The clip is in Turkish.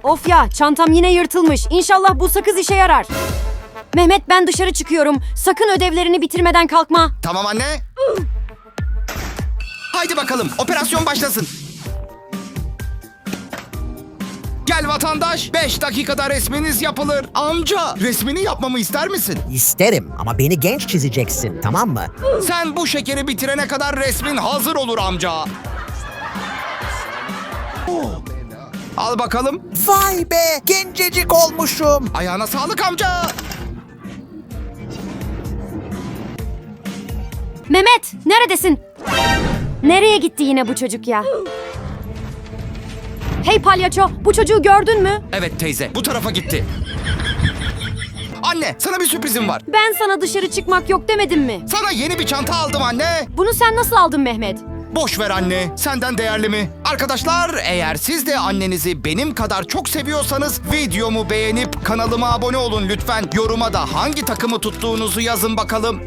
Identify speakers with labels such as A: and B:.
A: Of ya, çantam yine yırtılmış. İnşallah bu sakız işe yarar. Mehmet, ben dışarı çıkıyorum. Sakın ödevlerini bitirmeden kalkma.
B: Tamam anne. Haydi bakalım, operasyon başlasın. Gel vatandaş, 5 dakikada resminiz yapılır. Amca, resmini yapmamı ister misin?
C: İsterim ama beni genç çizeceksin, tamam mı?
B: Sen bu şekeri bitirene kadar resmin hazır olur amca. Al bakalım.
C: Vay be, gencecik olmuşum.
B: Ayağına sağlık amca.
A: Mehmet, neredesin? Nereye gitti yine bu çocuk ya? Hey palyaço, bu çocuğu gördün mü?
B: Evet teyze, bu tarafa gitti. Anne, sana bir sürprizim var.
A: Ben sana dışarı çıkmak yok demedim mi?
B: Sana yeni bir çanta aldım anne.
A: Bunu sen nasıl aldın Mehmet?
B: Boş ver anne, senden değerli mi? Arkadaşlar, eğer siz de annenizi benim kadar çok seviyorsanız videomu beğenip kanalıma abone olun lütfen. Yoruma da hangi takımı tuttuğunuzu yazın bakalım.